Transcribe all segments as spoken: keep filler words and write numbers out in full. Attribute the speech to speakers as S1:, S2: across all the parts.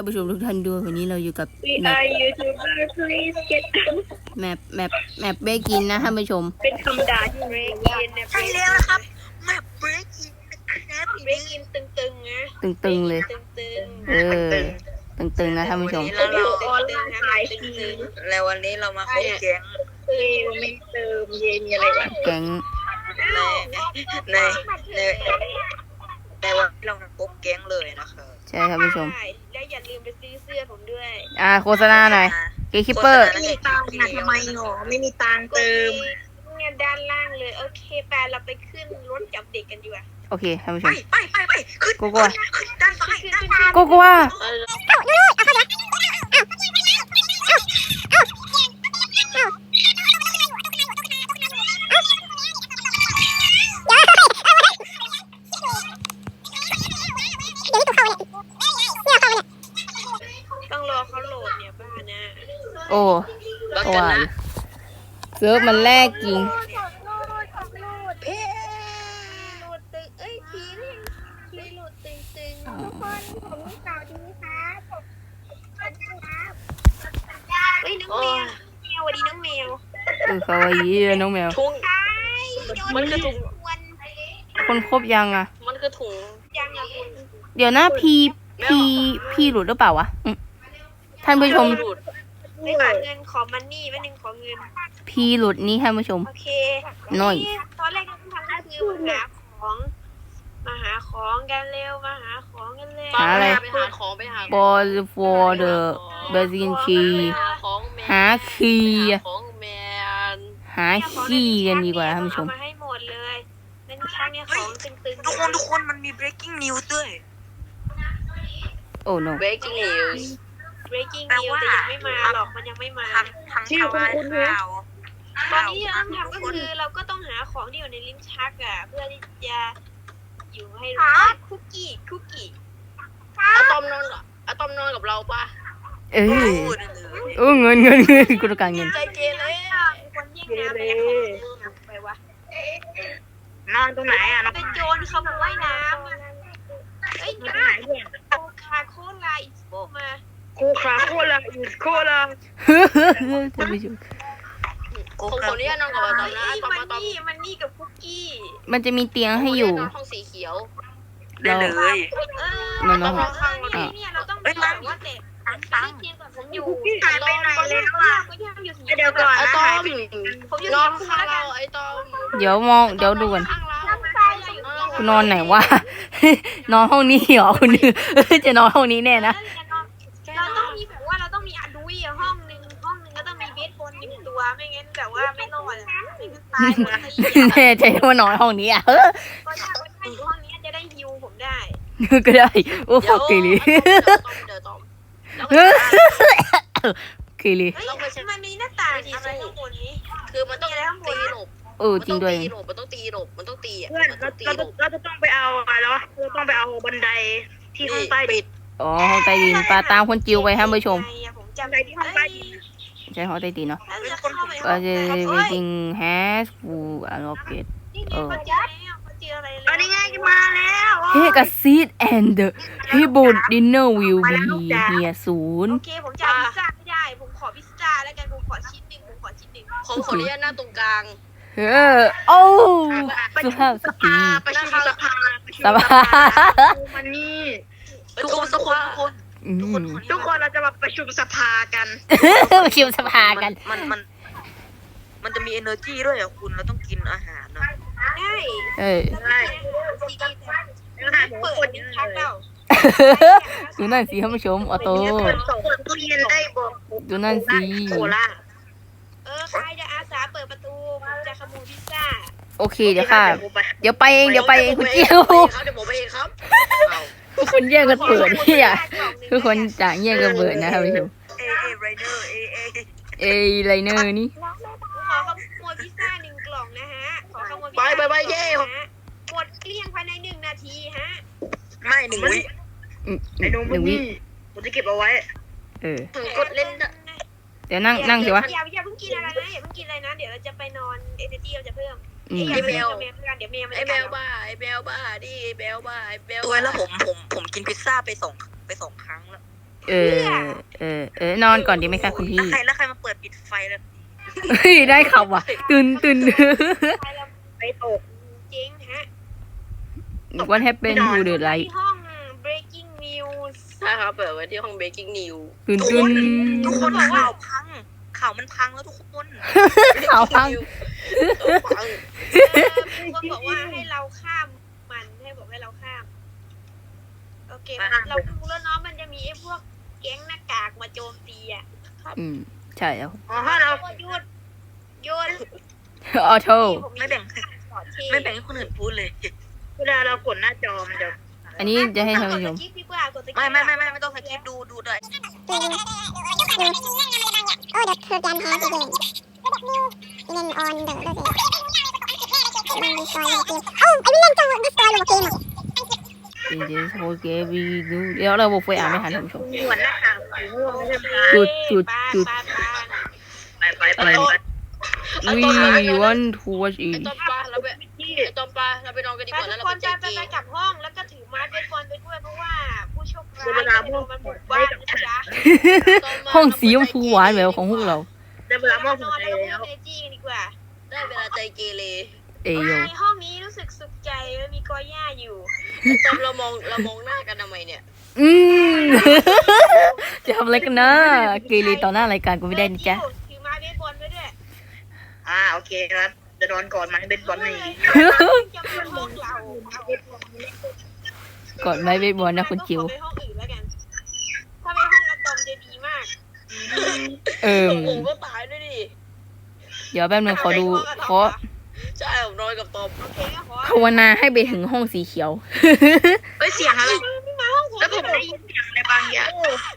S1: านผู้ชมทุกท่านด้วยวันนี้เราอยู่กับ
S2: We are YouTuber please get
S1: แมปแมปแมปเบกินนะท่านผู้ชม
S2: เป็นคำด่าที่ break in นะ
S3: ใช่แล้วนะครับแมป break in นะครับ
S2: break in ตึงๆนะ
S1: ตึงๆเลย
S2: ตึง
S1: เออตึงๆนะท่านผู้ชม
S2: ๆแล้วเราออนไลน์ขายที
S3: แล้ววันนี้เรามาเข้าแก๊ง
S2: เติมไม่เติมเย็นอะไรวะ
S1: แก๊ง
S3: ในในในในวันที่เรามาพบแก๊งเลยนะครับ
S1: ใช่ท่านผู้ชม
S2: ใช่แล้วอย่าลืมไปซื้อเสื้อผมด้วย
S1: อ่าโฆษณาหน่อยเกคิปเปอร์
S3: ไม่มีตังค์ทำไมหรอไม่มีตังค์
S2: เติมเนี่ยด้านล่างเลยโอเคไปเราไปขึ้นรถจับเด็กกันดีกว่า
S1: โอเคท่านผู้ช
S3: ไป
S1: ม
S3: ไปไปไปขึ้น
S1: โกโก้
S3: ขึ้นด้านซ้าย
S2: ขึ้น
S3: ด้าน
S2: ขึ้น
S3: ซ้าย
S1: โกโก้ว่า
S2: ต้องรอเขาโหลดเนี่ยบ้านะ
S1: โอ้ตัวเซิร์ฟมันแรกจริง
S2: โหลดเอ๊ะโหลดตึงเอ้ยผีนี่ผีโหลดตึงตึงทุกคนผมมีข่าวดีครับเฮ้ยน้องแมวแมวสวัสดีน้องแมว
S1: เออเขาว่ายีน้องแมว
S3: ถุง
S2: ใช่มันคือถุงวัน
S1: คนครบยังอ่ะ
S3: มันคือถุง
S2: ยังอะคุณ
S1: เดี๋ยวนะพีพีพีหลุดหรือเปล่าวะอืมท่านผู้ชม
S2: ไม่ขอเงินขอมันนี่แป๊บนึงขอเงิน
S1: พีหลุดนี่ท่านผู้ชม
S2: โอเค
S1: หน่อย
S2: ตอนแรกที่ต้องทำก็คือมาหาของมาหาของกันเร็วมาหาของกันเร็ว
S1: หาอะไร
S3: ไปหาของไปหา
S1: for for the basic key
S3: ของแม
S1: หาคีย์
S3: ของแมน
S1: หาคีย์กันดีกว่าท่านผู้ชม
S2: เอามาให้หมดเลยนั่นช่างเนี่ยของตึงๆ
S3: ทุกคนทุกคนมันมี breaking news ด้วย
S1: โอ้ no
S3: breaking news
S2: breaking news แต่ยังไม่มาหรอกมันยังไม่มา
S3: ทำทำชื่อคุณคุณข่าว
S2: ตอนนี้เราต้องทำก็คือเราก็ต้องหาของที่อยู่ในลิ้นชักอ่ะเพื่อที่จะอยู่ให้รู้คุกกี้คุกกี้
S3: อะตอมนอนกับอะตอมนอนกับเราปะ
S1: เอ้ยเออเงินเงินเงินกูต้องการเงิน
S3: ใจเกเร
S2: คนแย่งน้ำไปของไปวะ
S3: นอนตรงไหนอ่ะนอน
S2: เป็นโจรขโมยน้ำอะเอ้ยน้ำโคคาโคลาอิสโปมา
S3: โคคาโคลาอิสโคลา
S1: ท่านผู้ชม
S3: ผมขออนุญาตนอนกับอะตอมนะ
S2: เอ้ย
S3: ตอม
S2: มัน
S3: อะตอม
S2: นี่มันนี่กับคุกกี้
S1: มันจะมีเตียงให้อยู่
S3: ห้องสีเขียว
S1: เรา
S2: เออ
S1: นอน
S2: เอ
S1: ห้อง
S2: อนี่เนี่ยเราต้องแบบว่าเด็กตังค์ผมอยู่
S3: หายไปไหนเลย
S2: ก็ยังอยู่สี
S3: เดี๋ยวก่อนอะตอม
S2: ผมอยู่
S3: นอน
S2: สี
S3: ข้าง
S2: แล้วกั
S3: เรา
S2: น
S3: ไอ้ตอม
S1: เดี๋ยวมองเดี๋ยวดูก่อน
S3: ข้างเรา
S1: กูนอนไหนวะ นอนห้องนี้เหรอคุณนึกจะนอนห้องนี้แน่นะ
S2: เราต้องมีแบบว่าเราต้องมีอะดุยห้องหนึ่งห้องหนึ่งก็ต้องมีเบสบอลหนึ่งตัวไม่งั้นแบบว่าไม่รอดอ่ะไม่งั้นตายหมดเลย
S1: แน่ใจว่านอนห้องนี้อ่ะเออ
S2: ก็ถ้าไม่อยู่ห้องนี้จะได้ฮิวผมได้
S1: ก็ได้โอ้โหเกลี
S3: เดี๋ยวตอม
S1: เกลี
S2: เฮ้ยมันมีหน้าต่างอะไรข้างบนนี้
S3: คือมันต้องตีหลบ
S1: เออจริงด้วย
S3: มันต้องตีหลบมันต้องตีอ่ะ
S4: เพื่อน
S3: มัน
S4: เรา
S3: ต้องตี
S4: เรา
S3: หล
S4: จะ
S3: บ
S4: เราจะต้องไปเอาอะไรแล้วเราต้องไปเอาบันไดที่ห้องใต้
S3: ปิด
S1: อ๋อห้องใต้ดินปลาตามคนจิวไปท่านผู้ชม
S2: ผมจำได้ที่ห้องใต้ดิน
S1: ใช่ห้องใต้ดินเนาะ
S2: แล้วจะเข้าไป
S1: ก็จะจริง has full unlocked
S2: นี่ไงเขาเจอแล้วเขาเจออะไรแล้ว
S4: อันนี้ไงมาแล้ว
S1: Take a seat and the table dinner will be here soon
S2: โอเคผมจะพิซซ่าไม่ได้ผมขอพิซซ่าแล้วกันผมขอชิ้นหนึ่งผมขอชิ้นหนึ่ง
S3: ผมขออนุญาตนั่งตรงกลาง
S1: เออโอ้สุภาพสตรี
S4: ประชุมสภาประชุม
S1: สบาย
S4: มันนี่
S3: ทุกคนทุกคนทุกคน
S1: อืม
S4: ทุกคนเราจะมาประชุมสภากัน
S1: มาคิวสภากัน
S3: มันมันมันจะมี energy ด้วยอ่ะคุณเราต้องกินอาหารนะ
S2: ได้
S1: เออ
S2: ได้ซีดีแต่เปิดนิ้วชักเปล่า
S1: ดูนั่นสิท่านผู้ชมออโต้
S4: ส่งตู้เย็นได้บอก
S1: ดูนั่นสิ
S4: โคล่า
S2: เออใครจะอาสาเปิดประตูผมจะขโมยพิซซ่า
S1: โอเคเดี๋ยวค่ะ เดี๋ยวไปเองเดี๋ยวไปเองคุณเจียว
S3: เดี๋ยวผมไปเองครับ
S1: ทุกคนแย่งกันเปิดเนี่ยทุกคนต่างแย่งกันเปิดนะท่านผู้ชม
S3: เอเอไรเดอร์เอเอ
S1: เอไลเนอร์นี่
S2: ขอขโมยพิซซ่าหนึ่งกล่องนะฮะขอขโมยพิซซ่าหมดเกลี้ยงภายในหนึ่งนาทีฮะ
S3: ไม่หนึ่งวิ
S1: อืม
S4: ไอ้นม
S1: หนึ่งวิ
S4: นี่ผมจะเก็บเอาไว้
S1: เออ
S3: ถึงกดเล่น
S1: เดี๋ยวนั่งนั่งสิวะ
S2: อย่าอย่าเพิ่งกินอะไรนะอย่าเพิ่งกินอะไรนะเดี๋ยวเราจะไปนอนเอเนจีเราจะเพิ่ม
S1: อืม
S2: อย่าเพิ่งเดี๋ยวเมลเดี๋ยวเมลมัน
S3: ไอ
S2: จะ
S3: เบลบ้าไอเบลบ้าดิไอเบลบ้าไอเบลตัวแล้วผมผมผมกินพิซซ่าไปสองไปสองครั้งแล้ว
S1: เออ เออ เออนอนก่อนดีไหมคะคุณพี่
S3: แล้วใครแล้วใครมาเปิดปิดไฟแล้ว
S1: เฮ้ยได้ข่าวว่ะตื่นตื่น
S4: ไปตก
S2: จริงฮะ
S1: What happened to the
S2: ที่
S1: light
S2: ห้อง breaking news
S5: ใช่ครับเปิดไว้ที่ห้อง breaking news
S1: ตื่นตื่น
S3: ทุกคนข่าวพังข่าวมันพังแล้วทุกคน
S1: ข่าวพัง
S5: พัง
S2: เออมีคนบอกว่าให้เราข้ามมันให้บอกให้เราข้าม โอเค เราดูแล้วเนาะมันจะมีไอ้พวกแก๊งหน้ากากมาโจมตีอ่ะ
S1: อืม ใช่แล้ว
S4: อ๋อถ้าเรา
S2: หยุดหยุด
S1: ออโต้
S3: ไม่แบ่ง
S2: ขอเท
S3: ไม่แบ่งให้คนอื่นพูดเลย
S4: เวลาเรากดหน้าจอมันจะ
S1: อันนี้จะให้ท่าน
S2: กด
S1: ผู้ช
S2: ส
S1: ม
S2: กิปดีกว่ากดสกิป
S3: ไม่ไม่ไม่ไม่ไม่ต้องสคริปต์ดูดูเลย
S6: Oh, the program has begun. Then on the loading. Oh, I remember the story of the game.
S1: เดี๋ยวโอเควีดูเดี๋ยวเราบอกไฟอ่านไม่ทันท่านผู้ชม
S4: มีหัวหน้าข่าวสีม่วงใช่ไหม
S1: จุดจุดจุด
S2: ปาปาปา
S4: ไปไปไปไป
S1: We want to watch
S5: ไอ
S1: it
S5: ตอมปลาเราไป
S4: ที่
S5: ไอตอมปลาเราไปนอนกันดี
S2: ไป
S5: กว่าแล้ว
S2: ทุ
S5: เรา
S2: กค
S5: ไป
S2: น
S5: เจ
S2: ไป
S5: อ
S2: ไป
S5: เก
S2: ไป
S5: ม
S2: กลับห้องแล้วก็ถือไม้เบสบอลไปด้วยเพราะว่าผู้โชคร้ายจะโดนมันบุกบ้านนะจ๊ะ
S1: ห้องสีชมพูหวานแบบของพวกเรา
S4: ได้เวลามอบ
S2: น
S4: หัว
S2: อน
S4: ใจ
S2: แล้วก็
S4: แล้ว
S2: พูดเอจี้กันดีกว่า
S5: ได้เวลาใจเกเร
S1: เอโย
S2: ในห้องนี้รู้สึกสุขใจแล้วมีกอหญ้าอยู่
S5: ไอตอมเรามองเรามองหน้ากันทำไมเนี่ย
S1: อืม จะทำอะไรกันนะ เกเรต่อหน้ารายการกูไม่ได้นะจ๊ะ
S2: ถือไม้เบสบอลไปด้วย
S4: อ่าโอเคครับจะนอนก่อนไหมเป็นบอลนี่
S2: จะเป็นห้องเราเอา
S1: กดไม้เบสบอลนะคุณจิว
S2: ขอไปห้องอื่นแล้วกัน ถ้าไปห้องอะตอมจะดีมาก
S1: เอิม
S5: โอ้โหก็ตายด้วยดิ
S1: เดี๋ยวแป๊บนึงขอดูขอ
S5: ใช่ผมนอนกับตอม
S2: โอเคก็ขอ
S1: ภาวนาให้ไปถึงห้องสีเขียว
S4: เอ้ยเสียงอะไร
S2: ไม่มาห้องผม
S4: แล้วผมได้ยินเสียงอะไรบางอย่าง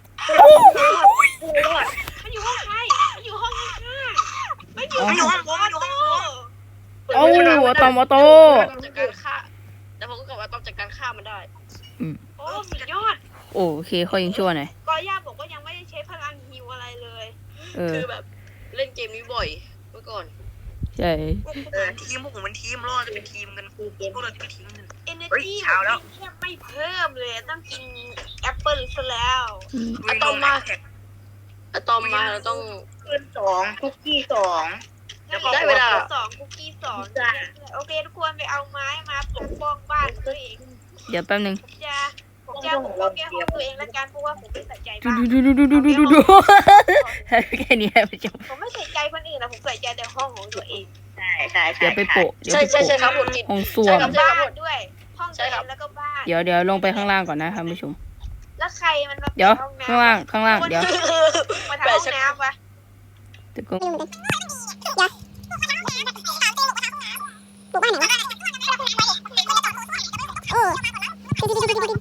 S2: มันอยู่ห้องใครมันอยู่ห้องข้างๆไม่อยู่
S1: อ๋อ
S2: ไม่อยู่ห้องผมมันอยู่ห้องผม
S1: โอ้อะตอมออโต้
S5: จากการฆ่าแล้วผมก็กลับว่าตอมจากการฆ่ามันได้
S2: โอ้สุดยอด
S1: โอเคเขายังชั่วหน่อย
S2: กอย่าบอกว่ายังไม่ได้ใช้พลังฮิวอะไรเลย
S1: เออ
S5: คือแบบเล่นเกมนี้บ่อยเมื่อก่อน
S1: ใช่
S3: เออทีมพวกผมเป็นทีมรอดจะเป็นทีมกันพวกเราจะเป็นทีมกัน
S2: เอเน
S3: เฮ้ย
S2: จี
S3: เช้าแล้ว
S2: แค่ไม่เพิ่มเลยต้องกินแอปเปิลซะแล้ว
S3: ลุยลงมาแท็ก
S5: ไอตอมมาเราต้อง
S4: คืนสองคุกกี้สอง
S5: ได้เวลา
S2: สองคุกกี้สองโอเคทุกคนไปเอาไม้มาปกป้องบ้านตัวเอง
S1: เดี๋ยวแป๊บนึง
S2: ผมจะผมจะปกป้องแก้ห้องตัวเองละกันเพราะว่าผมไม่ใส่ใจ
S1: ดู
S2: บ้าน
S1: ดูดูดูดูดูดูดูแค่นี้ผู้ชม
S2: ผมไม่ใส่ใจคนอื่นนะผมใส่ใจแต่ห้องของตัวเอง
S4: ใช่ใช่ใช่
S1: เดี๋ยวไปโปะเดี๋ยว
S5: ใช่
S1: ไป
S5: ใช่ใช่
S1: โปะ
S5: ครับผมกิน
S1: ห้องส้วม
S5: ใช่ครับ
S2: บ้านด้วย ห้องตัวเองแล้วก็บ้าน
S1: เดี๋ยวเดี๋ยวลงไปข้างล่างก่อนนะครับผู้ชม
S2: แล้วใครมันมา
S1: เดี๋ยว
S2: ห้องน้ำ
S1: ข้างล่างข้างล่างเดี๋ยว
S2: มาทำห้องน้ำวะ
S1: เดี๋ยวก็
S6: ปลูกบ้านไหนวะโอ้ปิดปิดปิดปิดปิดปิดปิดปิด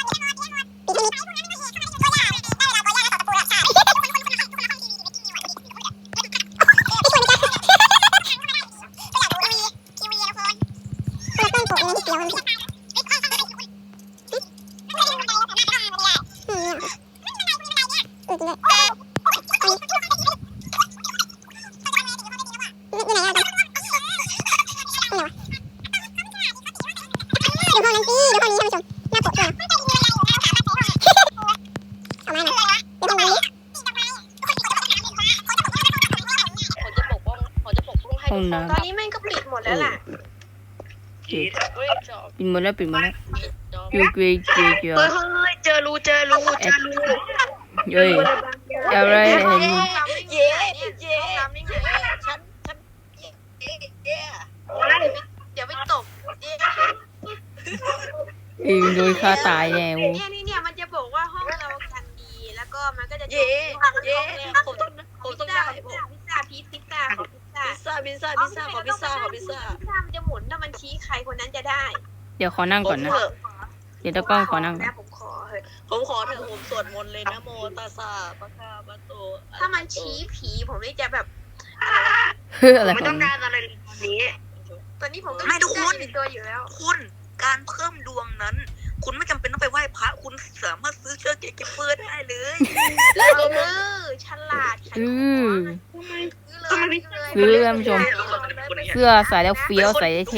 S5: ผมจะปกป้องผมจะปกป้องให้
S1: ห้อง
S5: ทุกคน
S1: น้
S2: ตอนนี้แม่งก็ปิดหมดแล้วล่ะ
S5: เฮ้ยจอบ
S1: ำปิดหมดแล้วปิดหมดแล้ว
S5: จอบ
S1: เกย์เกย์เกย์เกย์
S4: เฮ้ยเฮ้ยเจอรูเจอรูเจอรู
S1: เย้ยอะไรเห็น
S5: เย่เย่เย่ฉันฉันเย่เย่เย่เดี๋ยวไปตบเย่
S1: เองโดยฆ่าตายแน่โว้
S2: เนี่ยนี่เนี่ยมันจะบอกว่าห้องเรากันดีแล้วก็มันก็จะ
S5: เย่เย่ผมต้องผม
S2: พิซ
S5: ต้อง
S2: ซ่า
S5: ได้
S2: พิซ
S5: ผม
S2: ซ่าพิซซ่าพีซพิซซ่าขอพิซซ่า
S5: พิซซ่าพิซซ่าพิซซ่าขอพิซซ่าขอพิซซ่า
S2: พิซซ่ามันจะหมุนถ้ามันชี้ใครคนนั้นจะได้
S1: เดี๋ยวขอนั่งก่อนนะ เดี๋ยวตะกล้องขอนั่งก่อน
S2: ผมขอเถอะ
S5: ผมขอเถอะผมสวดมนต์เลยนะโมตัสสะปะคาปะโต
S2: ถ้ามันชี้ผีผมนี่จะแบบ
S1: เฮ้ยอะไร
S4: ไม่
S1: ขอ
S4: ต้อง ง
S1: มึง
S4: การอะไรเลยตอนนี้
S2: ตอนนี้ผมก็
S3: ไม่ทุกคน
S2: ในตัวอยู่แล้ว
S3: คุณการเพิ่มดวงนั้น คุณไม่จำเป็นต้องไปไหว้พระคุณสามารถซื้อเชือกเก็บเฟือได้เลย
S2: แล้วเออฉลาดขัน
S1: อื
S2: หั
S1: อ
S2: ซื้อเลย
S1: ซื้อท่านผู้ชม เสื้อใส่แล้วเฟี้ยวใส่ได้เท่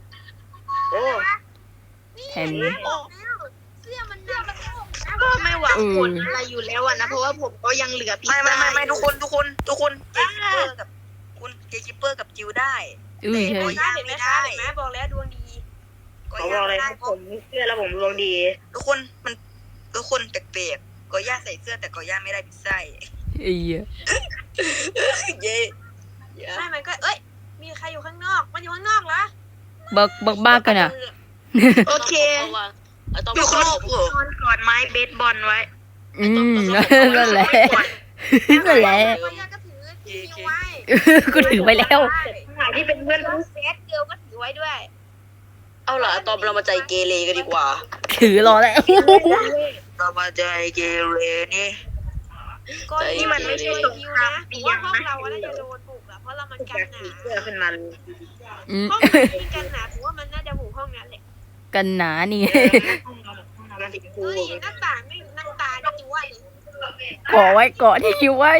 S4: โอ้
S1: แทน
S2: เสื้อมันน่ารัก
S4: ก็ไม่ไหว
S1: เออ
S5: ผลอะไรอยู่แล้วอะนะเพราะว่าผมก็ยังเหลือพิซ
S3: ไม่
S5: ซ่า
S3: ไม่ไม่ไม่ทุกคนทุกคนทุกคนเจคิปเปอร์กับคุณเจคิปเปอร์กับจิวได้
S1: อุ้ยใช่
S2: โอ้ยได้เห็นไหมคะเห็นไหมบอกแล้วดวงดี
S3: ก็
S4: เขาบ
S3: ย่า
S4: อกเลย
S3: ไม่ได้
S4: ครับ
S3: เพ
S4: ผ
S3: ราะ
S4: มเชื่อแล้วผมดวงดี
S3: ทุกคนมันทุกคนแปลกๆก็ย่าใส่เสื้อแต่ก็ย่าไม่ได้พิซซ่า
S1: ไอ้เหี้ย
S3: เย่
S2: ไม่มันก็เอ้ยมีใครอยู่ข้างนอกมันอยู่ข้างนอกเหรอ
S1: บักบักบ้ากันอ่ะ
S5: โอเค
S3: อยู่ข้างนอกเหรอน
S4: อนกอดไม้เบสบอลไว้
S1: อืมนั่นแหละนั่นแหละ
S2: ก็ย่าก็ถือที่ไว้
S1: กูถือไปแล้ว
S4: หายที่เป็นเพื่อน
S2: แล้วเซตเกิลก็ถือไว้ด้วย
S5: เอาล่ะตอนเรามาใจเกเรกันดีกว่า
S1: ถือรอแล้ว
S3: เรามาใจเกเรนี่
S2: ก็นี่มันไม่ใช่คิวนะผมว่าห้องเราน่าจะโดนบุกอะเพราะเรามันกันหนา
S4: เสื้อขึ้นมา
S1: อืม
S2: ห้องมันมีกันหนาผมว่ามันน่าจะบุกห้องนั้นแหละ
S1: กันหนานี่
S4: มันติด
S2: ดู
S4: คู
S2: ดิหน้าต่างไม่หน้าตาจั่วเลย
S1: เกาะไว้เกาะที่คิวไว้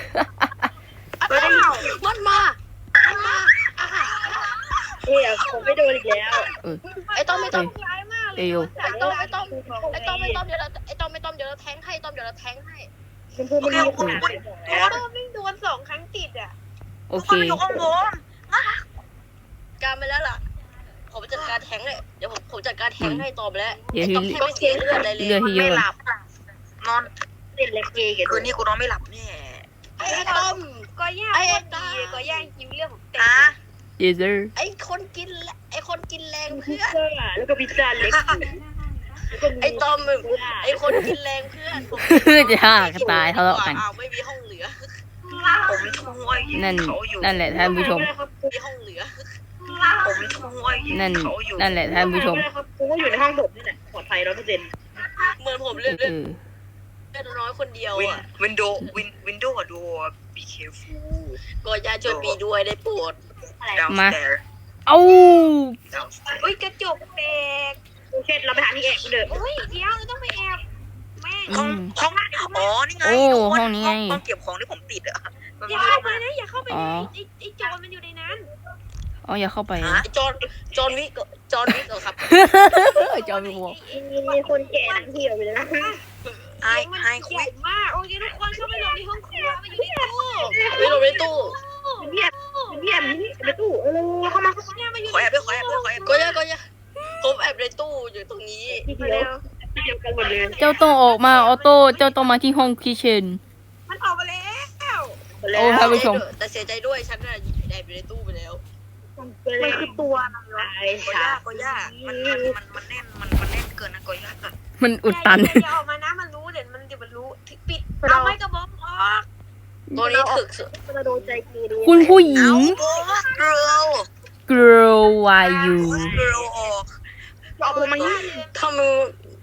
S5: มันมามันมา
S4: เฮ้ยผมไม่โดนอีกแล้ว
S5: ไอ้ต้อมไม่ต้อม
S2: ร้ายมากเลย
S1: เอ้ย
S5: ไอ้ต้อมไอ้ต้อมไอ้ต้อมไอ้ต้อมเดี๋ยวเราไอ้ต้อมไอ้ต้อมเดี๋ยวเราแทงให้ต้อมเดี๋ยวเราแทงให้
S4: คุณพูดไม่ดีคุณ
S2: โอ้โหไม่โดนสองครั้งติดอ่ะ
S1: โอ
S3: ทุก
S1: เค
S3: คนอยู่ข้างบน
S5: การไปแล้วล่ะผมจัดการแทงเลยเดี๋ยวผมผมจัดการแทงให้ตอมแล้ว
S1: เดี๋ยว
S5: ไอ้
S1: ที่
S5: ต้อมแค่ไม่เสียเลือดอะไรเลย
S1: เลือดที่เย
S3: ไม่
S1: อะ
S3: หลับนอน
S4: เล่นเล็กเกย์กัน
S3: คืนนี้กูนอนไม่หลับแน่
S5: ไอ้ต้อม
S2: ก็ย่าโคตรดีเลยก็ย่าคิวเรื่องของเต็ม
S3: ฮะ
S1: เยเซอร์
S5: ไอ้คนกินแหละไอ้คนกินแรง
S4: พิซ
S5: เพื่อน
S4: ซ่าแล้วก็พิซซ่าเล็ก
S5: ไอ้ต้อมไอ้คนกินแรงเพื่อนผม
S1: จะฆ่ากันตายทะเลาะกัน
S5: อ้าวไม่มีห้องเหลือ
S3: ผมช่วย
S1: นั่น
S3: เขาอยู่
S1: นั่นแหละท่านผู้ชม
S5: มีห้องเหลือ
S3: ผมช่วย
S1: นั่น
S3: เขาอยู่
S1: นั่นแหละท่านผู้ชม
S4: กูก็อยู่ในห้องผมนี่แหละปลอดภัยร้อยเปอร์เซ็นต์
S5: เหมือนผมเลือด
S1: เอ
S5: เลือด
S1: อ
S5: น้อยคนเดียว
S3: วิน
S5: อ่ะ
S3: วินโดว์วินวินโดว์ดู be careful
S5: ก็ยาช่วยปีด้วยได้โปรด
S3: downstairs
S1: เอ้า
S3: downstairs
S2: อุ้ยกระจกแตก
S4: กูเช็ดเราไปหาที่แอบกูเดิน
S2: อุ้ยเดี๋ยวเราต้องไปแอบแม่
S3: ห้องห้องอ๋อนี่ไง
S1: โอ้
S3: ทุกค
S1: ห้องนี้ไง
S3: ห้องเก็บของที่ผมติดอะมัน
S2: อย่า
S3: มื
S2: เข้า
S3: ด
S2: ไป
S3: มาก
S2: นะอย่าเข้าไป
S1: อ๋อ
S2: นะไอ้ไอ้โจรมันอยู่ในนั้น
S1: อ๋ออย่าเข้าไป
S3: ฮะ
S5: จอห์นจอห์นวิกจอห์นวิกเหรอครับ
S1: จอมหัว
S4: มีคนแก่นั่งเที่ยวไปแล้ว
S3: ไอ้
S2: เสียงมัน
S3: ไอ้
S2: ให
S3: คุ
S2: ญ่
S3: ย
S2: มากโอเคทุกคนเข้าไปหลบในห้องครัวมันอยู่ในตู้
S5: ไม่ลงในตู้
S4: เงียบเงียบนี่ในตู้เออเข้ามาเข้ามา
S2: เนี่ยมันอยู่
S3: ขอแอบด้วยขอแอบด้วยขอแอบ
S5: ก็
S3: ด้วย
S5: ยาก็ยาผมแอบในตู้อยู่ตรงนี้
S4: ที่เดียวที่เดียวกันหมดเลย
S1: เจ้าต้องออกมาออโต้เจ้าต้องมาที่ห้องคิเชน
S2: มันออกมาแล้ว
S1: โอ้ท่านผู้ชม
S5: แต่เสียใจด้วยฉันน่ะแอบอยู่ในตู้ไปแล้ว
S4: มันคือตัวอะไรไอ้
S3: ก็
S4: ชาย
S3: ากก็ยากมันมันมันมันแน่นมันมันแน่นเกินนะก็ยาก
S1: มันอุดตัน
S2: อย่าอย่าออกมานะมันรู้เดี๋ยวมันเดี๋ยวมันรู้ปิดเอาไม้กระบอกออก
S5: ตัวนี้ถึกสุด
S4: มันโดนใจกีดี
S1: คุณผู้หญิ
S3: เอา
S1: ง
S3: โอ้เกลียว
S1: girl why you
S3: เกลียวออก
S4: เอาผมมา
S5: ทำมือ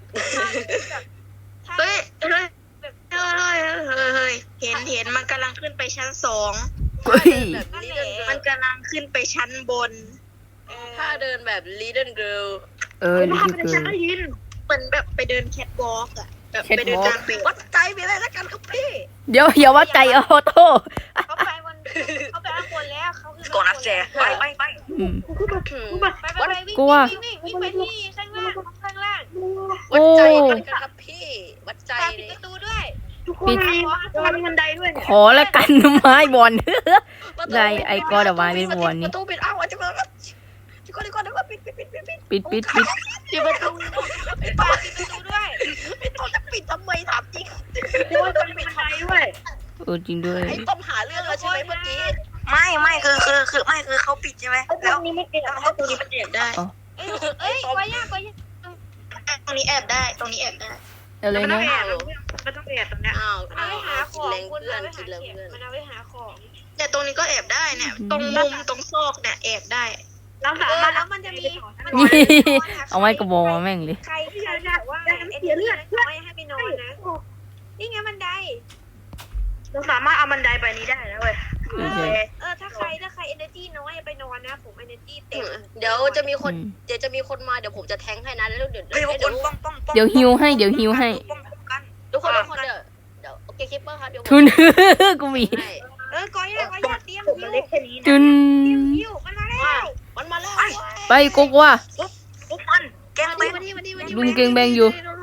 S2: ถ้า
S5: เฮ้ยเฮ้ย
S2: แบบ
S5: เฮ้ยเฮ้ยเฮ้ยเห็นเห็นมันกำลังขึ้นไปชั้นสอง
S1: เฮ้ย
S5: แบบ little มัน girl กำลังขึ้นไปชั้นบน
S2: เออ
S5: ถ้าเดินแบบ little girl
S1: เออ
S4: ผม
S1: นี่
S4: ทำ
S1: คือ
S4: เป็นฉันได้ยิน
S5: เหมือนแบบไปเดินแคทวอล์กอะแบบไปเดิน
S1: Catwalk
S5: กลางปีวัดใจไปเลยแล้วกันครับพี่
S1: เดี๋ยวอย่าว่าใจออโต้
S2: เขาไปวันเขาไปข้างบนแล้วเขาคือ
S3: ก่อนนะแจไปไปไป
S1: อืม
S4: กูก็
S5: อืม
S4: กูมา
S2: ไปไปไปวิ่ง
S1: กลัว
S2: วิ่งวิ่งวิ่งไปที่ข้างล่างข้างล่าง
S5: วัดใจ
S1: โอ้
S5: กันครับพี่วัดใจ
S2: ตา
S5: เล
S2: ปิด
S5: ย
S2: ประตูด้วย
S4: ทุกคนมีมีบันไดด้วย
S1: ขอละกันไม้บอล ได้ไอ้ก้อนเอาไว้เป็นบอลนี่
S5: ประตูปิดเอ้าจะก็จะก็จะก็จะก็ปิดปิดปิดปิดปิด
S1: ปิดปิดปิด
S5: ปิดประตู
S2: ปิดประตูด้วย
S5: ปิดตัวจะปิดทำไมถามจริง
S4: ทุกคนมีบันไดด้วย
S1: เออจริงด้วย
S5: ไอ้ต้อมหาเรื่องเราใช่ไหมเมื่อกี้
S3: ไม่ไม่คือคือคือไม่คือเขาปิดใช่ไหม
S4: ตร
S3: แล้ว
S4: งนี้ไม่เอ็ดตรงนี้มันเอ็ดได้
S2: เอ้ยเอ้ยกว่ายากกว่ายาก
S5: ตรงนี้แอบได้ตรงนี้แอบได้
S1: อะไร
S4: มันต้อ
S1: นะ
S4: งแอบมันต้องแอบตรงนี้
S5: อ้าว
S2: มันเอา
S5: อ้าว
S2: ไว้หาของ
S5: กินแรง
S2: คุณ
S5: เพื่อ
S2: เอา
S5: น
S2: ไว้
S5: กิ
S2: หาน
S5: แรง
S2: เข็ม
S5: เพื่อน
S2: มันเอาไว้หาของ
S5: แต่ตรงนี้ก็แอบได้เนี่ยตรงมุมตรงซอกเนี่ยแอบได้
S4: เรา
S2: เอ
S4: สา
S2: อ
S4: มารถ
S2: แล้วมันจะมีมัน
S1: นี่
S2: จะมีนน
S1: เอาไว้กระบอกมาแม่งเลย
S2: ใครที่แบบว่าเอ็นเลือดน้อยให้ไปนอนนะนี่ไงบันได
S4: เราสามารถเอาบันไดไปนี้ได้แล้วเว้ย
S1: เออใช่
S2: เออถ้าใครถ้าใครเอเนอร์จีน้อยไปนอนนะผมเอเนอร์จีเต็ม
S5: เดี๋ยวจะมีคน
S1: อืม
S5: เดี๋ยวจะมีคนมาเดี๋ยวผมจะแทงให้นะแล้วเดี๋ยว
S3: เฮ้ยพวก
S5: เดี๋
S3: ค
S5: ยวน
S3: ป้องป้องป้อง
S1: เดี๋ยวฮิวให้เดี๋ยวฮิวให้
S3: ป้องกัน
S5: ทุกคนทุกคนเดี๋ยวเดี๋ยวโอเคคิปเปอร์ครับเดี๋ยวผม
S1: ทุน กูมี
S5: ให้
S2: เออกอยากอยากเตรียม
S4: ผม
S2: ยิ
S4: มัน
S2: ว
S4: เล็กแค่นี้นะ
S1: จุน
S2: เตรียมยิวมันมาแล้ว
S5: มันมาแล้ว
S1: ไปกกว่า
S3: พวกมันแกง
S5: มา
S3: เป็
S5: ดิ
S3: น
S5: มาดิมาดิมาดิ
S1: ลุงเก่งแบงอยู่ ลุ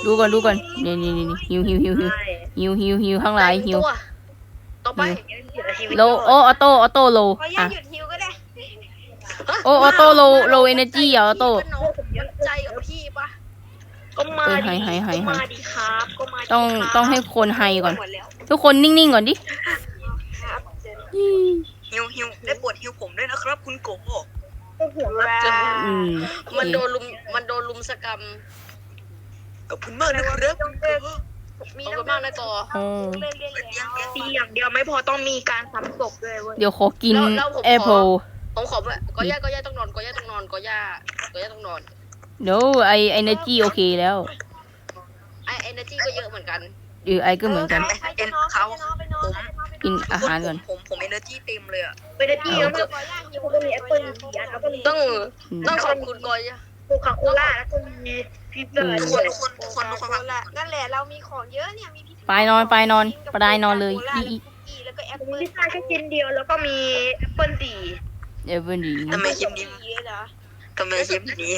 S1: ดูก่อนดูก่อนนี่นี่นี่หิวหิวหิวหิว
S4: ใช่
S1: หิวหิวหิวข้างหลายหิว
S5: ตัวต่อไป
S1: โลโอออโต้ออโต้โล
S2: ขออนุญา
S1: อ่ะ
S2: ตหยุดฮิวก็ได้
S1: โอออโต้โลโลเอเนจีอ่ะออโต้
S5: พี่น้องวัดใจกับพี่ปะ
S4: ก็มา
S1: เออ
S4: ดิ
S1: ให้ให้ให้
S4: ก็มาดีครับก็มาดิ
S1: ต้อง
S4: ครับ
S1: ต้องให้คนไฮก่อน
S2: หมดแล้ว
S1: ทุกคนนิ่งๆก่อนดิ
S2: ครับเจอ
S3: ฮิวฮิวได้โปวดฮิวผมด้วยนะครับ คุณโก
S4: ก็ห่วงรับจน
S1: อืมโอ
S5: มัน
S1: เค
S5: โดนลุมมันโดนลุมสกรรม
S3: ขอบคุณมากนะครับคุณโก
S5: มีน้ำมากนะกอ
S1: โอ้
S2: เล่นเล่นแล้ว
S4: ตีอย่างเดียวไม่พอต้องมีการซ้ำศพด้วยเว้ย
S1: เดี๋ยวขอกิน
S5: แล้วแล้วผมขอ
S1: แอปเปิล
S5: ผมขอแบบก็ย่าก็ย่าต้องนอนก็ย่าต้องนอนก็ย่าก็ย่าต้องนอน
S1: เดี๋ยวไอเอเนจีโอเคแล้ว
S5: ไอเอเนจีก็เยอะเหมือนกัน
S1: เออไอก็เหมือนกัน
S2: ใครจะนอนใครจะนอนไปนอนใครจะนอนไปนอน
S1: กินอาหารก่อน
S3: ผมผมเอเนอร์จีเต็มเลยอ่ะ
S4: เวลาที่แล้วก็
S2: ขออนุญาตฮิว
S4: ก็มีแอปเปิ้ลสีอันแล้วก็มี
S5: ต้อง
S1: อืม
S5: ต้องขอบคุณกอย่า
S4: โคคาโคล่าแล้วก็มีพิซซ่า
S1: อืม
S3: ทุก
S4: ด้วย
S3: คนทุกคนทุกคนทุกคนฟัง
S2: ละนั่นแหละเรามีของเยอะเนี่ยมีพิซซ่า
S1: ไปนอนไปนอนไปได้นอนเลยอีอี
S2: แล้วก็แอป
S4: มี
S2: เปิ้ล
S4: พิซซ่าแค่ชิ้นเดียวแล้วก็มีแอปเปิ้ลสี
S1: เอเวอร์ดี
S3: ทำไมคลิปนี้
S2: เหรอ
S3: ทำไมคลิปนี้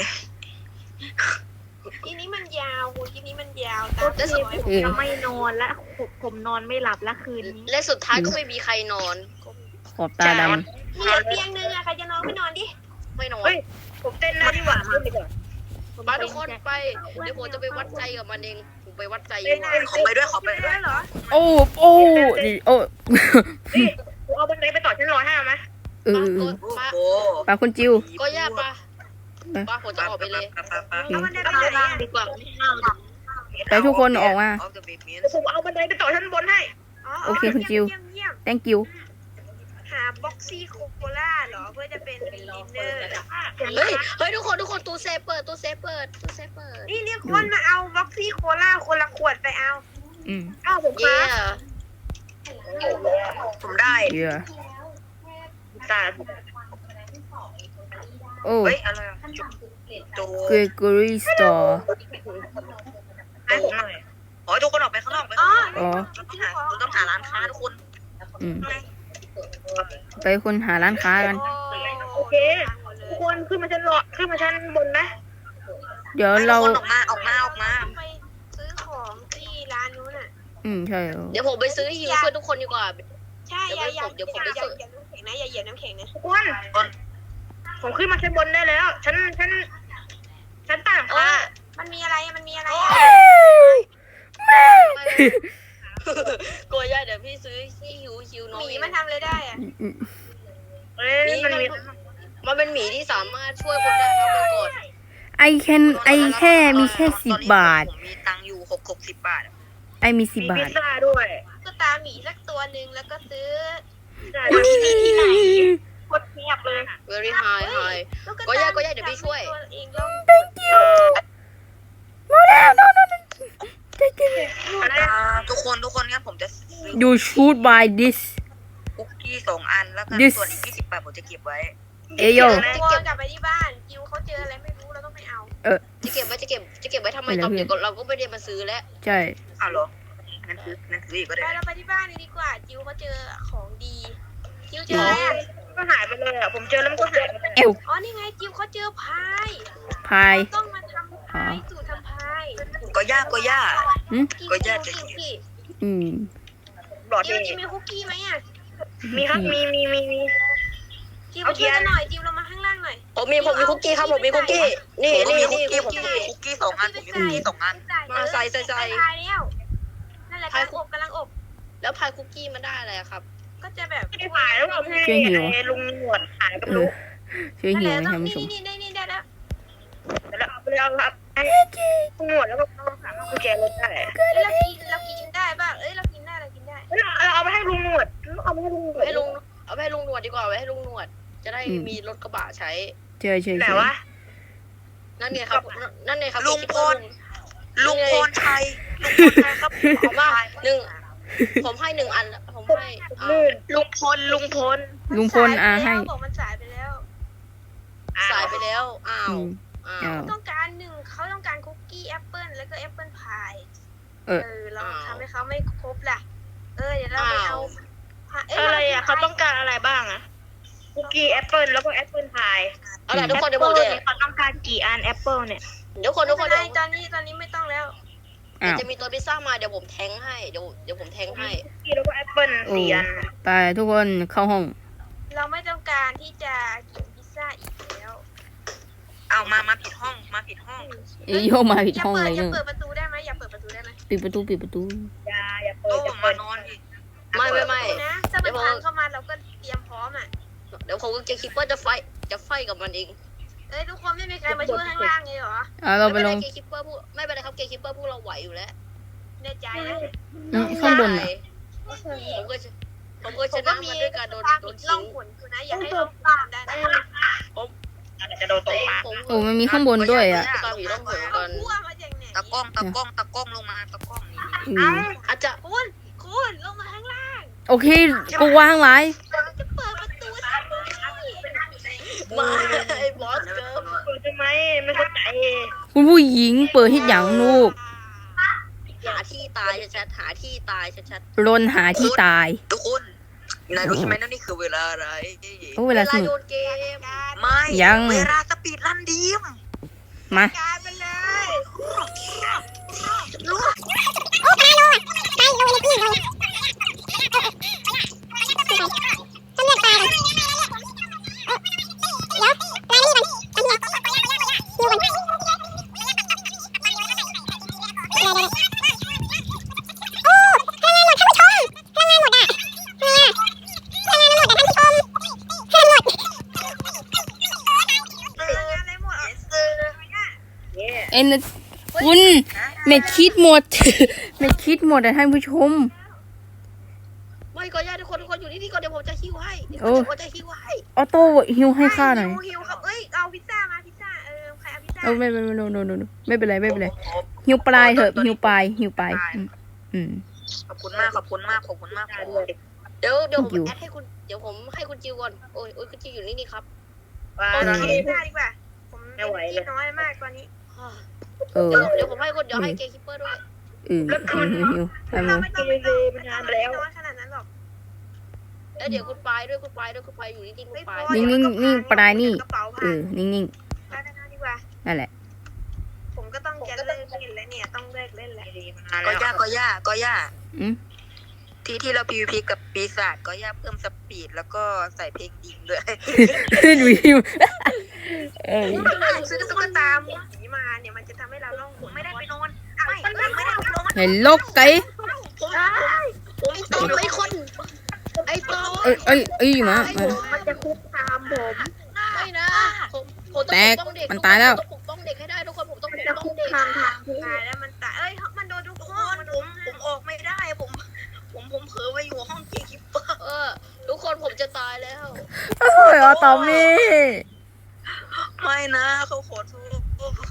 S2: ทีนี้มันยาวคุณทีนี้มันยาว
S4: ก็
S2: ตาม
S4: คือ
S2: ร้อย
S4: ผมจะไม่นอนและผมผมนอนไม่หลับละคืนนี้
S5: และสุดท้ายก็ไม่มีใครนอน
S1: ขอบตาด
S2: มีเหลือเตียงนึงอะใครจะนอนไม่นอนดิ
S5: ไม่นอน
S4: เฮ้ยผมเต้นหน้าดีกว่าเต้นดีกว่า
S5: มาทุกคนไปเดี๋ยวผมจะไปวัดใจกับมันเองผมไปวัดใจอ
S4: เต้น
S5: ยู่
S4: หน้า
S5: อะ
S3: ขอไปด้วยขอไปด้วย
S2: เหรอ
S1: ำโอ้โอ้ดิโอ้
S4: นี่ผมเอาบันไดไปต่อชั้นร้อยห้าไหม
S1: เออ
S5: ก็
S3: โอ้
S5: ปะ
S3: โห
S1: ปลาคุณจิว
S5: ก็ย่าปะปะผมจะออกไปเลย
S2: แล้วมันได้ไป
S4: ข้าง
S2: ไหน
S4: ล่าง
S2: อะ
S4: ดีกว่า
S1: ไปทุกคนออกมา
S3: เอาแต่เบบี้
S4: เดี๋ยวผมเอาบันไดไปต่อชั้นบนให้
S1: โอเคคุณจิว
S2: เยี่ยมเยี่ยม
S1: thank you
S2: หาบ็อกซี่โคโคล่าเหรอเพื่อจะเป็นดินเนอร์
S5: เฮ้ยเฮ้ยทุกคนทุกคนตู้เซฟเปิดตู้เซฟเปิดตู้เซฟเปิด
S2: นี่เรียกคนมาเอาบ็อกซี่โคล่าคนละขวดไปเอา
S1: อืม
S4: อ้าวผม
S5: เย่
S4: ค้า
S3: ผมได้
S1: เยอะ
S4: ตา
S1: โอ้
S3: เฮ้ยอะไรอ่ะโจ
S1: Gregory Store
S4: ให้ผมหน่อย
S3: ขอให้ทุกคนออกไปข้างนอกไป
S2: อ๋อ
S1: อ๋อ
S3: เราต้องหาเราต้องหาร้านค้าทุกคน
S1: อืมไปคนหาร้านค้ากัน
S4: โอเคทุกคนขึ้นมาชั้นรอขึ้นมาชั้นบนนะ
S1: เดี๋ยวเรา
S3: ทุกคนออกมาออกมาออกมา
S2: ไปซื้อของที่ร้านนู้นอ่ะ
S1: อืมใช่
S5: เดี๋ยวผมไปซื้อฮิวช่วยทุกคนดีกว่า
S2: ใช่อย่าอย่า
S5: เดี๋ยวผม
S2: อย่า
S5: ไป
S2: อย่า
S5: ซื้อ
S2: อย่าน้ำแข็งนะอย่าเหยียบน้ำแข็งนะ
S4: ทุกคนผมขึ้นมาชั้นบนได้แล้วชั้นชั้นชั้นต่าง
S5: เอ
S4: ค่ะ
S5: อ
S2: มันมีอะไรมันมีอะไรอะ
S5: กลัวย่าเดี๋ยวพี่ซื้อที่ฮิวฮิวน้อง
S2: หมี
S5: เอง
S2: มันทำอะไรได้อะ
S4: เอ้ยมันมี
S5: มันเป็นหมีที่สามารถช่วยคนได้ครับเมื่อก่อน
S1: ไอแค่ไอแค่มีแค่สิบบาท
S3: ผมมีตังค์อยู่หกหกสิบบาท
S1: ไอมีสิบ
S4: มี
S1: บา
S4: พิ
S1: ท
S4: ซซ่าด้วย
S2: ก็ตาหมีสักตัวหนึ่งแล้วก็ซื้อ
S4: ที่นี่ที่ไหนโคตรเงียบเลย
S5: very high high
S2: ลู
S5: ก็ย่าก็ย่าเดี๋ยวพี่ช่วย
S2: ตัวเองแล้ว
S1: มาแล้วนอนนอน
S4: อะไร
S3: อ่าทุกคนทุกคนงั้นผมจะซื้อ
S1: you should buy this
S3: คุกกี้สองอันแล้วกัน
S1: This
S3: ส่วนอีกยี่สิบบาทผมจะเก็บไว้
S1: เอโย
S2: ตัวกลับไปที่บ้านจิวเขาเจออะไรไม่รู้เราต้องไปเอา
S5: จะเก็บไว้จะเก็บจะเก็บไว้ทำไมตอนเดี๋ยวเราก็ไม่ได้มาซื้อแล้ว
S1: ใช่
S3: อ้าวเหรองั้นซื้องั้นซื้ออีกก็
S2: ไป
S3: ได้
S2: เราไปที่บ้านดีกว่า จิวเขาเจอของดีจิวเจออะไรอ่ะ
S4: ก็หายไปเลยอ่ะผมเจอแล้วมันก็หายไปเลย
S1: เอว
S2: อ๋อนี่ไงจิวเขาเจอพาย
S1: พาย
S2: ต้องมาทำพายสูตรทำพาย
S3: ก็ย่าก็ย่า
S1: อืม
S2: กิน
S3: ก็
S2: คุ
S3: ย่าจะ
S2: กกี้
S1: อืม
S4: หลอด
S2: จิ
S4: เอ
S2: ว
S4: ง
S2: จิวมีคุกกี้ไหมอ่ะ
S4: มีครับมีมีมีมี
S2: จิวมาช่วยกันหน่อยจิวเรามาข้างล่างหน่อย
S5: ผมมีผมมีคุกกี้ครับผมมีคุกกี้นี่
S3: ผมก็
S5: นี่
S3: มีคุก
S5: นี่
S3: กี้
S5: คุ
S3: ผ
S5: ก
S3: มมี
S5: กี้
S3: คุกกี้สองอันผมมีคุกกี้สองอัน
S5: มาใส่ใส่ใส่
S2: พายแล้วนั่นแหละกำลังอบกำลังอบ
S5: แล้วพายคุกกี้มันได้อะไรครับ
S2: ก็จะแบบ
S4: ไม่ได้หายแล้วเอาให้ไอ้ลุงหนวดหายกับ
S1: เอ
S4: ลุ
S1: อง ช่วย
S2: นั่น
S1: หิ
S2: แห
S1: ว
S2: ละ
S1: นะ
S2: ต้อง
S1: ท่านผู้ช
S2: นี่
S1: ม
S2: นี่นี่นี่ได้แล้ว
S4: แล้วเอาไปเลยเอาครับให้ลุงหนวดแล้วก็เอาสามารถกุญแจรถได้
S2: เอ้ยเรากินเรากินได้ป่ะเอ้ยเรากินได้เรากินได้
S4: เราเอาไปให้ลุงหนวดเอาไปให้ลุงหนวด
S5: ให้ลุงเอาไปให้ลุงหนวดดีกว่าไว้ให้ลุงหนวด จะได้มีรถกระบะใช้
S1: ใช่ใช่
S4: ไหน
S1: ใช่
S4: วะ
S5: นั่นไงครับนั่นไงครับ
S3: ลุงพล ลุงพลชัยลุงพลชัยครับ
S5: ผมว่าหนึ่งผมให้หนึ่งอันผมให้อ่า
S4: ลื่นลุงพลลุงพล
S1: ลุงพลอาให้
S2: บอกมันสายไปแล้ว
S5: สายไปแล้วอ้า
S1: อื
S5: ว
S1: ม
S5: อ้า
S1: อ้าว ว
S2: ต้องการหนึ่งเขาต้องการคุกกี้แอปเปิลแล้วก็แอปเปิลพาย
S1: เออ
S2: เออเราทำให้เขาไม่ครบล่ะ เออเดี๋ยวเราไปเอาเย
S4: อะไรอ่ะเขาต้องการอะไรบ้างอ่ะคุกกี้แอปเปิลแล้วก็แอปเปิลพาย
S5: เอาล่ะทุกคนเดี๋ยวผมจะ
S4: เขาต้องการกี่อันแอปเปิลเนี่ย
S5: เดี๋ยวคน
S2: ไม่
S5: ทุกค
S2: เป็น น
S5: เดี๋
S2: ไร
S5: ยว
S2: ตอนนี้ตอนนี้ไม่ต้องแล้ว
S5: เ
S1: อ้าว
S5: จะมีตัวพิซซ่ามาเดี๋ยวผมแทงให้เดี๋ยวเดี๋ยวผมแทงให้
S4: กี้แล้วก็แอปเปิ้ล
S1: โอ้
S4: สี่อัน
S1: ไปทุกคนเข้าห้อง
S2: เราไม่ต้องการที่จะกินพิซซ่าอีกแล้ว
S3: เอามามาผิดห้องมาผิดห้อง
S1: เอ้ยโยกมาผิด
S2: อย่า
S1: ห้อง
S2: เปิ
S1: เล
S2: ด
S1: ย
S2: อย่า
S1: เน
S2: เปิ
S1: อะ
S2: ดประตูได้ไหมอย่าเปิดประตูได้ไหม
S1: ปิดประตูปิดประตู
S4: อย่าอย่าเปิ
S3: โอ้
S4: ดอย่า
S3: มา
S4: เปิด
S3: นอนดิ
S5: ไม่ไม่ไม่
S2: นะถ้ามันพังเข้ามาเราก็เตรียมพร้อมอ่ะ
S5: เดี๋ยวผมกับเกมคิปเปอร์จะไฟจะไฟกับมันเอง
S2: เอ้ยทุกคนไม่มีใครมาช่วยข้างล่างเลยเหรอ
S1: เอาเราไป
S5: ไม่
S1: ล
S5: เป็น
S1: ง
S5: ไรเกมคิปเปอร์พวกไม่เป็นไรครับเกมคิปเปอร์พวกเราไหวอยู่แล้ว
S2: แน่ใจนะ
S1: อืมข้างบน
S5: ใช่
S1: น่ะ
S5: ผมก็จะผมก็
S2: ผ
S5: ช
S2: มก็
S5: นะ
S2: มี
S5: มาด้วยการโดน
S2: ทาง
S5: โดน
S2: ล่
S5: ทิ้
S2: อง
S5: ง
S2: ขนคือนะอย่าให้เราตามได้นะ
S4: อาจจะโดนตกปาก
S5: ผม
S1: โอ้มันมีข้างบนด้วยอ่ะ
S5: ตามอยู่ต้องเหมือน
S2: เอา
S5: กัน
S2: คู่มาจากไหน
S3: ตะกล้องตะกล้องตะกล้องลงมาตะกล้องนี่
S1: อืม
S5: อาจจะ
S2: คุณคุณลงมาข้างล่าง
S1: โอเคกูวางไว้
S2: จะเปิดประตูทำไม
S5: มาไอ้บอสเกิร์ล
S4: เปิดทำไมไม่เข้าใจ
S1: คุณผู้หญิงเปิดให้หยังลูก
S5: หาที่ตายชัดๆหาที่ตายชัด
S1: รนหาที่ตาย
S3: ทุกคนนายรู้ใช่ไหมนั่นนี่คือเวลาอะไร
S1: โอ้
S5: ๆ
S1: เวลาสนุก
S5: โยนเกม
S3: ไม่
S1: ยัง
S3: เวลาสปีดรันดีม
S1: มา
S2: การไปเลย
S6: ต้องเลือกปลาก่อนเดี๋ยวปลานี่มันอันนี้ดูก่อนเดี๋ยวเดี๋ยวเดี๋ยวโอ้พลังงานหมดท่านผู้ชมพลังงานหมดอ่ะเออพลังงานหมดอ่ะท่านผู้ชมพลังหมด
S2: อะไรหมดอ่ะ
S4: เย่
S1: เอ็นคุณเม็ดคิดหมด เม็ดคิดหมดอะท่านผู้ชม
S5: ไม่ก็ญาติทุกคนทุกคนอยู่ที่นี่ก่อนเดี๋ยวผมจะฮิวให้เดี๋ยว
S1: โอ้
S5: ผมจะฮิวให้
S1: ออโต้ฮิวให้ข้าหน่อย
S2: หิวหิวครับเอ้ยเอาพิซซ่ามาพิซซ่าเออใครเอาพิซซ่า
S1: เอาไม่ไม่ไม่ no no no no ไม่เป็นไรไม่เป็นไรฮิวปลายเถอะฮิวปลายฮิวปลายอืมอืม
S3: ขอบคุณมากขอบคุณมากขอบคุณมาก
S4: ได้ด้วย
S5: เดี๋ยวเดี๋ยวผม
S1: อยู่
S5: แอดให้คุณเดี๋ยวผมให้คุณจิวก่อนโอ้ยโอ้ยคุณจิวอยู่นี่นี่ครับ
S4: ปลา
S2: เอา
S4: ตอน
S2: พิ
S4: นี้
S2: ซซ่าดีกว่าผมไม่กินน้อยมากตอนนี้
S1: เออ
S5: เดี๋ยวเดี๋ยวผมให้คุณเดี๋ยวให้เกมคิปเปอร์ด้วย
S1: เออฮิวฮิวฮิวทำ
S2: เรา
S1: เลย
S2: ไม่ต้องไม่ต้องน้อยขนาดนั้นหรอก
S5: แล้วเดี๋ยวคุณปายด้วยคุณปายด้วยคุณปายอยู่นี่ที่คุณปาย
S1: นิ่งนิ่งนิ่งปลายนี่
S2: กระเป๋า
S1: เอ
S2: ผ่า
S1: อนิ่งนิ่ง
S2: ได้ได้ดีกว่า
S1: นั่นแหละ
S2: ผมก็ต้องจะเลิกเล่นแล้วเนี่ยต้องเลิกเล่นแล้ว
S3: ก็ย่าก็ย่าก็ย่า
S1: อืม
S3: ที่ที่เรา พี วี พี กับปีศาจก็ย่าเพิ่มสปีดแล้วก็ใส่เพลงดิงด้วย
S1: ดูฮิวเออ
S2: ซื้อตุ๊กตาหมูผีมาเนี่ยมันจะทำให้เราล่องหนไม่ได้ไปนอนไม่ไม่ได้ไปนอน
S1: เห็นโลกไก่
S5: ผมผมตบไอ้คนไอ้ตบ
S1: เอ้ยเอ้ยเอ้ยมามา
S4: มันจะคุกคามผม
S5: ไม่นะผมผมต้อง
S1: แตก
S5: ปกป้องเด็ก
S1: มันตายแล้ว
S5: ผมต้องปกป้องเด็กให้ได้ทุกคนผมต้องปก
S4: จะ
S5: ป้อ
S4: คุ
S5: ง
S4: ก
S5: เด็ก
S4: คามทางที่
S2: ตายแล้วมันตายเอ้ยมันโดนทุก
S3: ทุก
S2: ค
S3: คน
S2: น
S3: ผมผมออกไม่ได้ผมผมผมเผลอไปอยู่ห้องเกคิปเปอร์
S5: เออทุกคนผมจะตายแล้ว
S1: โอ้ยออตอมี่
S3: ไม่นะเขาขอโทษ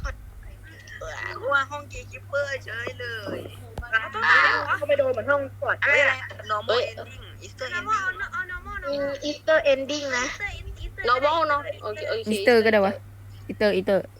S3: ว่าห้องเกคิปเปอร์เฉยเลย
S4: ก็ไปโดนเหมือนห้องกอด
S3: อะไรอะไร normal ending Easter
S2: เอา
S3: ending
S2: เอาเอา normal
S4: มี
S2: normal
S4: อีสเตอร์เอนดิ้งนะ
S5: เราบ้าเนาะโอเคโอเค
S1: อีสเตอร์ก็ได้วะอีสเตอร์อีสเตอร์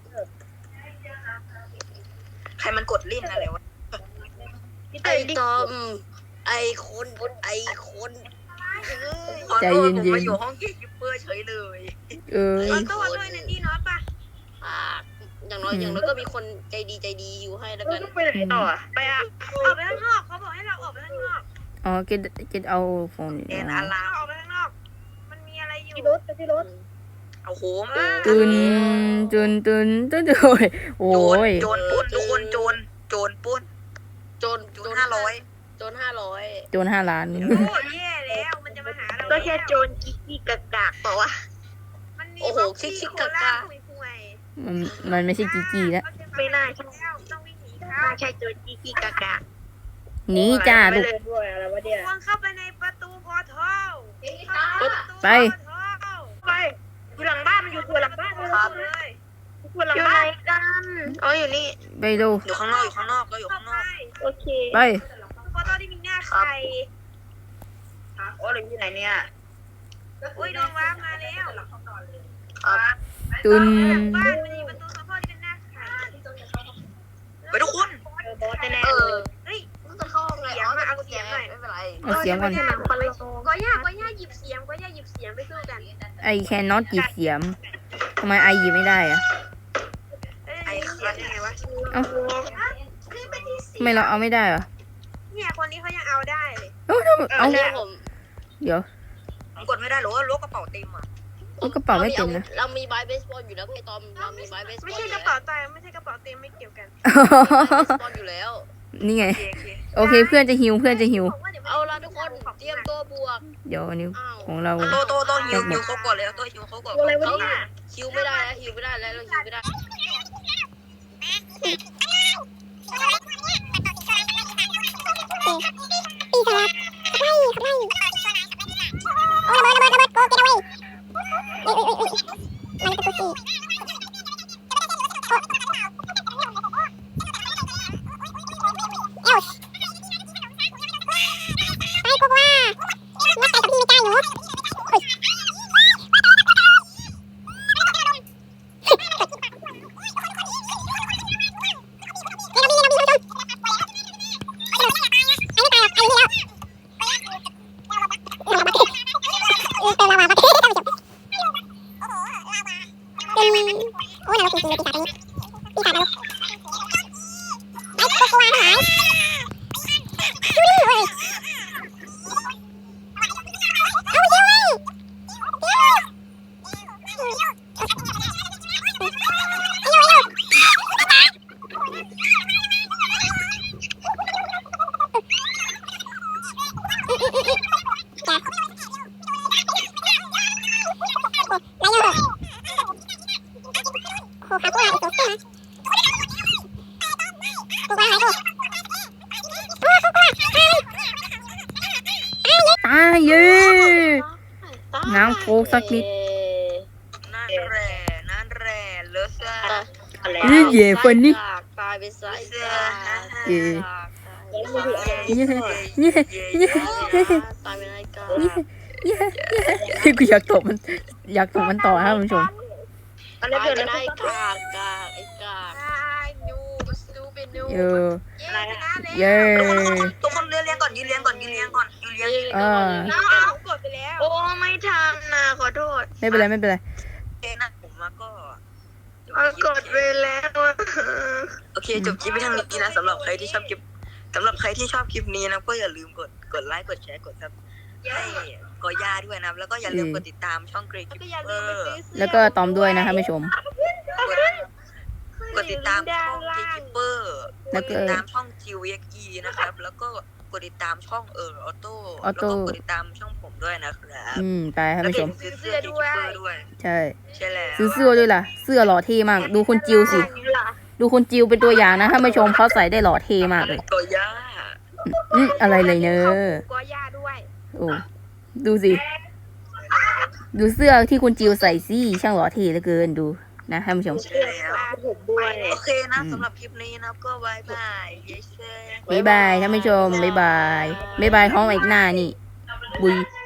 S3: ใครมันกดลิ้นอะไรวะ
S4: อีสเตอ
S5: ไอ้
S4: ร์เอนดิ้ง
S5: ตอมไอ้คนไอ้คน
S1: ใจเย็นๆ
S3: ผมมาอยู่ห้องเกคิปเปอร์เฉยเลย
S1: เออ
S2: เอาตัวด้วยนะดีน้อยป่ะ
S5: อ่าอย่างน้อยอย่างน้อยก็มีคนใจดีใจดีอยู่ให้แล้ว
S4: เรา
S5: กัน
S4: ต้องไปไหนต่ออะไปอ่ะ
S2: ออกไปข้างนอกเขาบอกให้เราออกไปข้างนอก
S1: อ๋อเกตเกตเอาโฟนอยู่
S3: แอน
S1: นะ
S3: อาลา
S2: เราออกไปข้างนอก มันมีอะไรอยู่
S4: ที่รถไปที่รถ
S3: เอาโหม
S1: ตุนตุนตุนตุนโอ้ยโอ้
S3: โจร
S1: ย
S3: โจรปล้นทุกคนโจรโจรปล้น
S5: โจน
S3: โจรห้าร้อย
S5: โจนห้าร้อย
S1: โจนห้าล้าน
S2: โอ้แย่แล้วมันจะมาหาเรา
S4: ก็แค่โจรกิ๊กกิ๊กกากากเปล่าวะ
S2: มันมีบ็อกซี่โคล่าห่วย
S1: มันมันไม่ใช่กีกีแล้ว
S4: ไม่น่าใช่
S2: ต้องวิ่งหนี
S4: ไม่
S2: เขา
S4: น่าใช่โจรกิ๊กกิ๊กกากาก
S1: หนีจ้า
S4: ไป
S1: ลูก
S4: เลยด้วยอะไรวะเนี่ย
S2: ควงเข้าไปในประตูพอทัล
S1: ไป
S4: ไปอยู่หลังบ้านมันอยู่ตัวหลังบ้านเลย
S2: เลย
S4: ตัวหลังบ้านกันอ๋ออยู่นี่
S1: ไปดู
S3: อยู่ข้างนอกอยู่ข้างนอกก็อยู่
S2: เข้า
S3: ข้างน
S2: ไป
S3: อก
S4: โอเค
S1: ไป
S2: พอทัลที่มีหน้าใคร
S4: โอ้ยอยู่ไหนเนี่ย
S2: โอ้ยโดนว้ามาแล้ว
S1: ตุน
S2: บ้านมันมีประตูพอทัลที่เป็นหน้าใคร
S3: ไปทุกคน
S4: เออบอสแน่
S5: เอ
S4: ๆเล
S5: อย
S2: เฮ้ย
S5: มันจะเข้าไงอ๋อเอาเสียงหน่อยไม่เป็นไร
S1: เอาเสียงก่อน
S4: คนละ
S2: ก็ย่าก็ย่าหยิบเสียงก็ย่าหยิบเสียงไปสู้กัน
S1: ไอแคนนอตหยิบเสียมทำไมไอหยิบไม่ได้อะ
S2: เอ้ยเสียงยังไงวะ
S1: เอ้า
S2: คือเป็นที่
S1: ทำไมเราเอาไม่ได้เหรอ
S2: เนี่ยคนนี้เขายังเอาได้เลย
S1: เอ้าทำไมเอา
S5: เดี๋ยวผม
S1: เดี๋ยว
S3: ผมกดไม่ได้หรอว่าล้วกระเป๋าเต็มอ่ะ
S1: เอากระเป๋าไม่เต็มนะ
S5: เรามีไม้เบสบอลอยู่แล้วพี่ตอมเรามีไม้เบสบอล
S2: ไม่ใช่กระเป๋าตังค์ไม่ใช่กระเป๋าเต็มไม่เกี่ยวกัน
S5: เบสบอลอยู่แล้ว
S1: นี่ไง
S3: โอเคโอเค
S1: โอเคเพื่อนจะหิวเพื่อนจะหิว
S2: บอกว่าดี๋ยว
S5: เอาละทุกคนเตรียมตัวบวก
S1: เดี๋ยวอันนี้
S5: อ้าว
S1: ของเรา
S3: โตโตโตหิวหิวเขาก่อนเลยโตหิวเขาก่อน
S4: อะไรวะ
S5: เขา
S4: เนี่ย
S5: คิวไม่ได้แล้วคิวไม่ได้แล้วเราคิวไม่ได้
S6: ปีสลับไล่ไล่โอ้ระเบิดระเบิดระเบิดโกเกตเอาไว้เอ้ยเอ้ยเอ้ยมันเป็นตัวสี่เอ้าไปพวกว่านักไก่กับพี่ไม่กล้าหนูเฮ้ยตายเย้น้ำโฟกสักนิด
S3: นั่นแหละนั่นแหละเลอะซ่า
S4: อะไร
S1: เย้เย่ฟันนี่
S5: ตายไปซะ
S1: เย่เย่เย่เย่เย่
S5: ตายไปไอ้กา
S1: เย่เย่เย่กูอยากตบมันอยากตบมันต่อครับคุณผู้ชม
S4: อะไร
S5: ตาย
S4: เกิด
S5: ไป
S4: อะไร
S5: ไอ้
S4: ขึ้น
S5: กากกากไอ้กาก
S2: ตายนูซูเป็นนู
S1: เย่
S2: เย้ชนะแล้ว
S1: เย่
S3: ทุกคนเรียนเรียนก่อนยืนเรียนก่อนยืนเรียนก่อนยืนเรียน
S1: อ่า
S2: น้องเอากดไปแล้ว
S4: โอ้ไม่ทันนะขอโทษ
S1: ไม่เป็นไรไม่เป็นไร
S3: เองนะผมมาก็
S4: เอากดไปแล้วอะ
S3: โอเคจบคลิปไปทางนี้นะสำหรับใครที่ชอบคลิปสำหรับใครที่ชอบคลิปนี้นะก็อย่าลืมกดกดไลค์กดแชร์กดซับให้กอย่าด้วยนะครับแล้วก็อย่าลืมกดติดตามช่องเกรย์
S2: แล้ว
S3: คิป
S2: ก็อย่า
S3: เป
S2: ลื
S3: อ
S2: มไป
S3: ร์
S2: ซื้อเสื้อ
S1: แล้วก็ตอมด้วยนะครับผู้ชม
S3: กดกดติดตามช่องเกรย์คิปเปอร์กดติดตามช่องจิวเอ็กอีนะครับแล้วก็กดติดตามช่องเออออโต้แล้วก็กดติดตามช่องผมด้วยนะครับ
S1: อืมตายครับ
S3: แล้ว
S1: ผู้ช
S3: ก็
S1: ม
S3: ซื้อเสื้อเกรย์คิปเปอร์ด้วย
S1: ใช่
S3: ใช่แล้ว
S1: ซื้อเสื้อด้วยล่ะ เสื้อหล่อเท่มาก ดูคุณจิวสิ ดูคุณจิวเป็นตัวอย่างนะถ้าผู้ชมเขาใส่ได้หล่อเท่มากเลย
S3: กอย่า
S1: อืมอะไรเลยเนอะ
S2: กอย่าด้วย
S1: โอ้ดูสิ ดูเสื้อที่คุณจิวใส่สิช่างหล่อเท่เหลือเกินดูนะท่านผู้ชม
S3: ใช่แล้ว
S4: ผมด้วย
S3: โอเคนะสำหรับคลิปนี้นะก็บายบายเย้เซ่
S1: บ๊ายบายท่านผู้ชมบ๊ายบายบ๊ายบายท้องอีกหน้านี่ บุย